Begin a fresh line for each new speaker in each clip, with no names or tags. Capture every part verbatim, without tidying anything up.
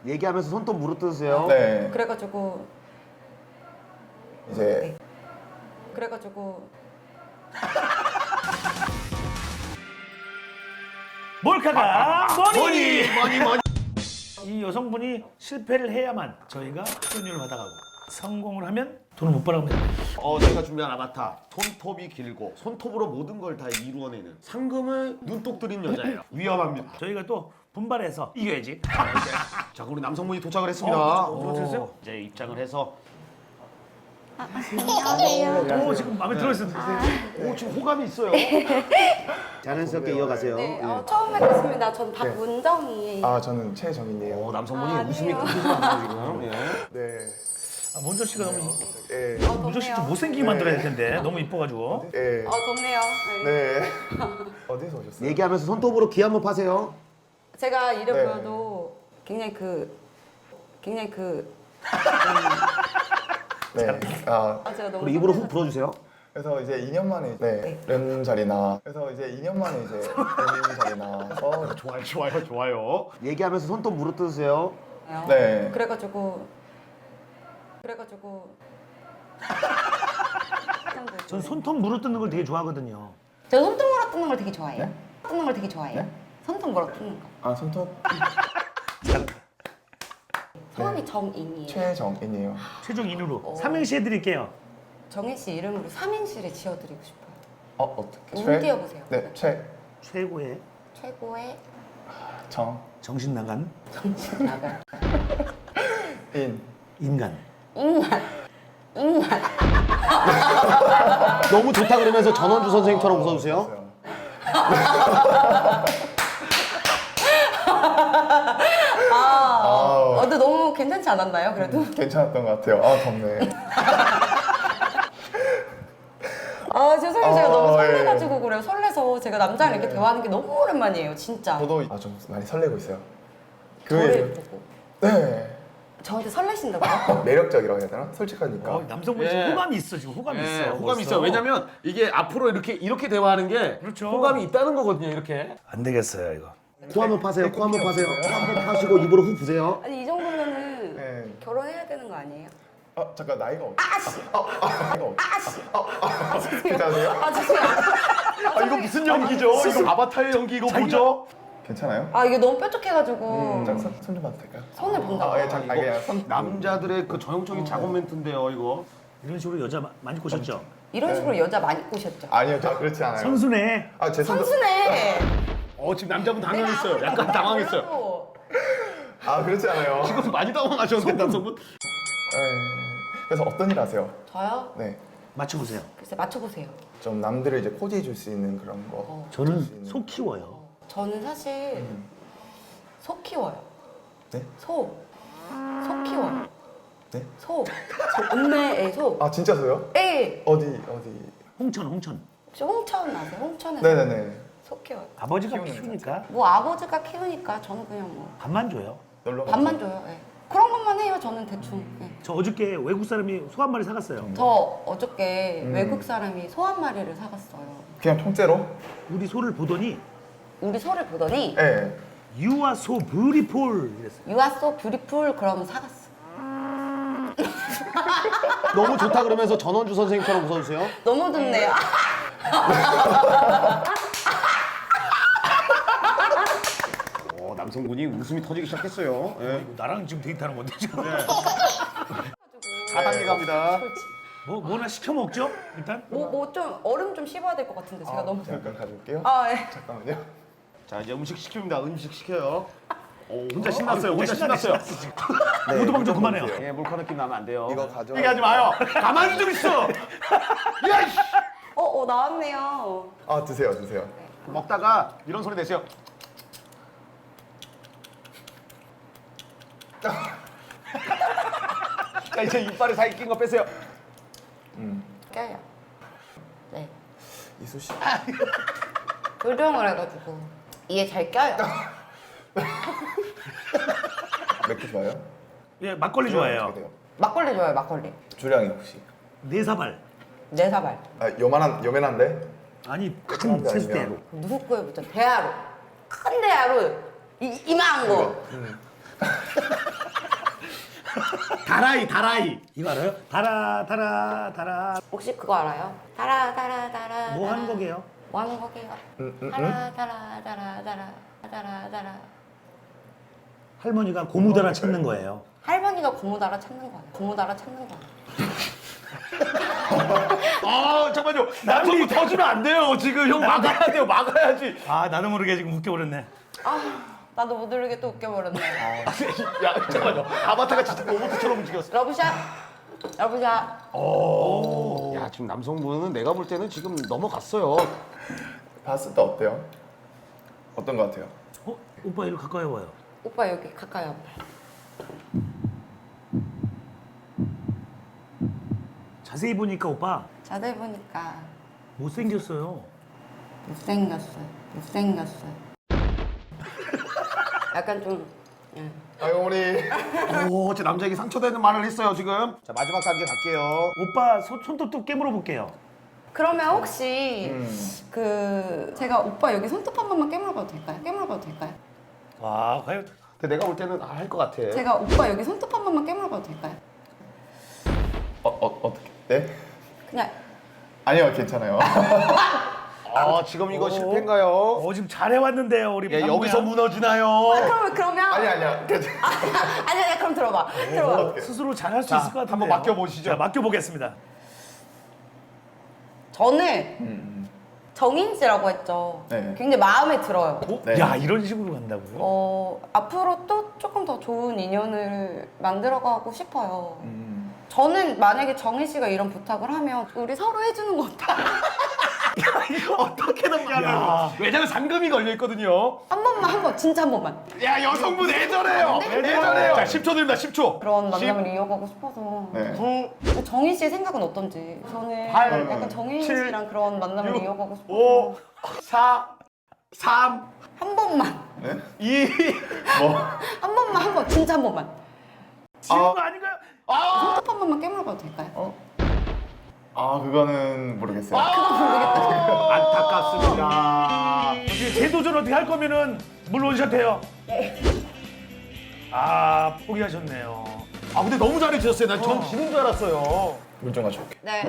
얘기하면서 손톱 물어뜯으세요.
네.
그래가지고
이제
네. 그래가지고
몰카가 머니!
머니 머니.
이 여성분이 실패를 해야만 저희가 출연료를 받아가고 성공을 하면 돈을 못 벌어갑니다.
어, 저희가 준비한 아바타. 손톱이 길고 손톱으로 모든 걸 다 이루어내는 상금을 눈독 들인 여자예요. 위험합니다.
저희가 또 분발해서 이겨야지.
자, 우리 남성분이 도착을 했습니다.
어, 들어오셨어요?
오, 이제 입장을 해서
안녕하세요.
오, 지금 마음에 들어있어요.
오, 지금 호감이 있어요. 자연스럽게 이어가세요.
네,
예.
어, 처음 뵙겠습니다. 전 박문정이에요.
아 저는 최정인이에요.
어, 남성분이
아,
웃음이
아니에요.
끊기지 않아요 지금. 예.
네.
아, 먼저 씨가 너무
예.
어,
문정 씨 좀
덥네요.
못생기게 만들어야 될 텐데 너무 이뻐가지고.
예.
어, 덥네요. 네.
네. 어디서 오셨어요?
얘기하면서 손톱으로 귀 한번 파세요.
제가 이래
네.
보여도 굉장히 그 굉장히 그
네. 아
아, 제가 너무
그리고 입으로 훅
설레서-
불어주세요.
그래서 이제 이 년 만에 네. 련 자리나 그래서 이제 이 년 만에 이제 련 자리나 어
좋아요, 좋아요, 좋아요. 얘기하면서 손톱 물어뜯으세요.
네.
그래가지고 그래가지고
전 손톱 물어뜯는 걸 되게 좋아하거든요.
저 손톱 물어 뜯는 걸 되게 좋아해요.
네?
뜯는 걸 되게 좋아해요.
네?
손톱 물어 뜯는 거.
아 손톱
성함이 정인이에요.
최정인이에요.
최종 인으로
어.
삼행시 해드릴게요.
정인 씨 이름으로 삼인실에 지어드리고 싶어요.
어 어떻게?
운 띄워보세요.
네. 최
최고의
최고의
정
정신 나간
정신 나갈
인
인간.
인간 인간.
너무 좋다 그러면서 전원주 선생님처럼 웃어주세요.
아,
아우.
어, 근데 너무 괜찮지 않았나요? 그래도
괜찮았던 것 같아요. 아 덥네.
아 죄송해요. 제가 너무
아,
설레가지고 그래요. 설레서 제가 남자랑 이렇게 대화하는 게 너무 오랜만이에요. 진짜.
저도 아좀 많이 설레고 있어요.
저를
그
보고
네.
저한테 설레신다고요?
매력적이라고 해야 되나? 솔직하니까.
어, 남성분이 지금
예.
호감이 있어 지금 호감이
예,
있어.
호감이
벌써.
있어요. 왜냐면 이게 앞으로 이렇게 이렇게 대화하는 게
그렇죠.
호감이 있다는 거거든요. 이렇게.
안 되겠어요 이거.
코 한번 파세요. 코 한번 파세요. 코 한번 파시고 입으로 훅 부세요.
아니 이 정도면은
네.
결혼해야 되는 거 아니에요?
아 잠깐 나이가 어떻게?
아씨,
나이가 어떻게?
아씨. 아 죄송해요.
괜찮으세요?
아 죄송해요.
아, 이거 무슨 연기죠? 이거 아바타의 연기 이거 뭐죠?
괜찮아요?
아 이게 너무 뾰족해가지고
잠깐 손 좀 봐도 될까요?
손을 본다고.
아, 예, 잠깐. 아, 그냥 손.
남자들의 그 전형적인 작업 멘트인데요, 이거.
이런 식으로 여자 마- 많이 꼬셨죠?
이런 식으로 여자 많이 꼬셨죠?
아니요, 저 그렇지 않아요.
선수네.
아, 제 손도.
선수네.
어, 지금 남자분 당황했어요. 약간 당황했어요.
아, 그렇지 않아요.
지금 많이 당황하셨는데, 남성분?
네. 그래서 어떤 일 하세요?
저요?
네.
맞춰보세요.
글쎄 맞춰보세요.
좀 남들을 이제 코디해 줄 수 있는 그런 거.
어.
저는 소 키워요.
어, 저는 사실 소 키워요.
네?
소. 소 키워요.
네?
소. 소. 읍내에 소.
아, 진짜 소요?
에.
어디 어디?
홍천 홍천.
저 홍천 아세요? 홍천에서
네네네.
소 키워요.
아버지가
키우는
키우니까
뭐 아버지가 키우니까 저는 그냥 뭐
밥만 줘요.
놀러 가서.
밥만 줘요. 예. 그런 것만 해요. 저는 대충. 예.
저 어저께 외국 사람이 소 한 마리 사갔어요.
저 어저께
음.
외국 사람이 소 한 마리를 사갔어요.
그냥 통째로?
우리 소를 보더니
우리 소를 보더니
네.
You are so beautiful 이랬어요.
You are so beautiful 그러면 사갔어.
너무 좋다 그러면서 전원주 선생님처럼 웃어주세요.
너무 좋네요.
어, 남성분이 웃음이 터지기 시작했어요. 예.
나랑 지금 데이트하는 건데 지금.
사 단계 갑니다.
뭐 뭐나 시켜 먹죠? 일단.
뭐 뭐 좀 얼음 좀 씹어야 될 것 같은데 제가
아,
너무.
잠깐 가져올게요.
아 예.
잠깐만요.
자, 이제 음식 시킵니다. 음식 시켜요. 오, 혼자
어,
신났어요. 혼자 신났어요.
네,
모두방 좀
이거
그만해요.
보세요.
예, 몰카 느낌 나면 안 돼요.
이거 가져.
얘기하지 마요. 가만히 좀 있어. 야, 이씨.
어어 나왔네요.
아, 드세요, 드세요.
먹다가 이런 소리 내세요. 자, 이제 이빨에 사이 낀 거 빼세요.
음.
껴요. 네.
이수 씨.
교정을 해가지고 이에 잘 껴요.
맥주 좋아요?
예, 막걸리
어떻게
좋아해요.
돼요?
막걸리 좋아요. 막걸리.
주량이 혹시?
네 사발.
네 사발.
아, 요만한 요만한데?
아니 큰
그런데
세수대로.
아니면-
누구 거에 붙여? 대하로. 큰 대하로. 이 이만한 거.
음.
다라이 다라이.
이거 알아요? 달아 달아 달아.
혹시 그거 알아요? 달아 달아 달아.
뭐 하는
달아.
거게요?
뭐 하는 거게요?
음, 음,
달아 달아 달아 달아 달아 달아.
할머니가 고무달아 찾는 거예요.
할머니가 고무달아 찾는 거야. 고무달아 찾는 거야.
아 잠깐만요. 남성분 터지면 안 돼요. 지금 형 막아야 돼요. 막아야지.
아 나도 모르게 지금 웃겨버렸네.
아 나도 못 모르게 또 웃겨버렸네.
야 잠깐만요. 아바타가 진짜 로봇처럼 움직였어.
러브샷. 러브샷.
오. 야 지금 남성분은 내가 볼 때는 지금 넘어갔어요.
봤을 때 어때요? 어떤 것 같아요?
어? 오빠 이리 가까이 와요.
오빠 여기 가까이 와봐.
자세히 보니까 오빠
자세히 보니까
못생겼어요.
못생겼어. 못생겼어. 약간 좀. 예.
아유 우리
오, 제 남자에게 상처되는 말을 했어요 지금. 자 마지막 단계 갈게요.
오빠 손, 손톱도 깨물어 볼게요.
그러면 혹시
음.
그 제가 오빠 여기 손톱 한 번만 깨물어봐도 될까요? 깨물어봐도 될까요?
와 과연
근데 내가 볼 때는 아, 할 것 같아.
제가 오빠 여기 손톱 한 번만 깨물어봐도 될까요?
어, 어, 어떻게? 네?
그냥
아니요 괜찮아요.
아 지금 이거
오.
실패인가요?
어 지금 잘해왔는데 우리
예,
박모양.
여기서 무너지나요?
그러면 그러면
아니 아니야 괜찮아.
아니 아니 그럼 들어봐 들어봐
스스로 잘할 수
자,
있을 것 같은데.
한번 맡겨보시죠.
자 맡겨보겠습니다.
저는
음,
정인 씨라고 했죠.
네.
굉장히 마음에 들어요.
어?
네.
야 이런 식으로 간다고요?
어 앞으로 또 조금 더 좋은 인연을 만들어가고 싶어요.
음.
저는 만약에 정인 씨가 이런 부탁을 하면 우리 서로 해주는 거 어때?
이거 어떻게 넘겨하는
야.
왜냐면 상금이 걸려 있거든요.
한 번만 한 번 진짜 한 번만.
야 여성분 애절해요.
네.
애절해요. 자 십 초 드립니다. 십 초.
그런
십,
만남을 이어가고 싶어서.
네.
구,
정인 씨의 생각은 어떤지. 저는
팔,
약간 정인
칠,
씨랑 그런 만남을
육,
이어가고 싶어서
오, 사, 삼,
한 번만
네?
이.
뭐?
한 번만 한 번 진짜 한 번만
지운
아.
거 아닌가요?
아,
손톱 한 번만 깨물어봐도 될까요?
어? 아 그거는 모르겠어요.
아, 안타깝습니다.
어떻게 재도전 어떻게 할 거면은 물 원샷해요. 아 포기하셨네요.
아 근데 너무 잘해주셨어요. 난 전 지는 줄 알았어요.
물 좀 가져올게.
네.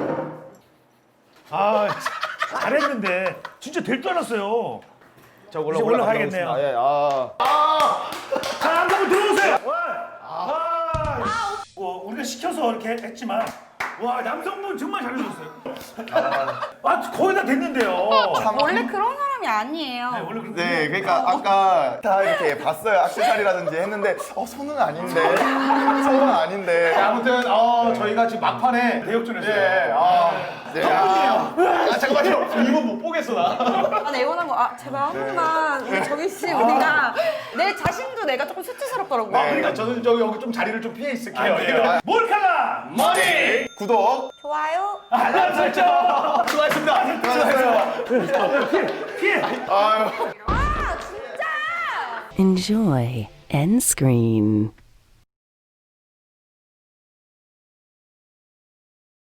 아 잘했는데 진짜 될 줄 알았어요.
자
이제 올라가야겠네요.
예, 아. 아,
자 한번 들어오세요. 와, 아, 뭐 우리가 시켜서 이렇게 했지만 와 남성분 정말 잘해주셨어요. 아 거의 다 됐는데요.
원래 그런 사람이 아니에요.
네, 원래 그렇게
네, 그러니까 아까 다 이렇게 봤어요. 악세사리라든지 했는데 어 손은 아닌데, 손은 아닌데.
자, 아무튼 어, 저희가 지금 막판에
대역전했어요.
예, 아, 네, 아, 아 잠깐만요. 이거 못 보겠어 나.
아, 나 애원한 거, 아, 제발 한 번만, 우리 정희 씨, 우리가 내 자신도 내가 조금 수치스럽더라고.
아, 그러니까 저는 저기 여기 좀 자리를 좀 피해 있을게요. 예.
몰카라
머리.
구독.
좋아요.
알람 설정.
수고하셨습니다.
수고하셨어요.
피해.
아유.
아, 진짜!
Enjoy end screen.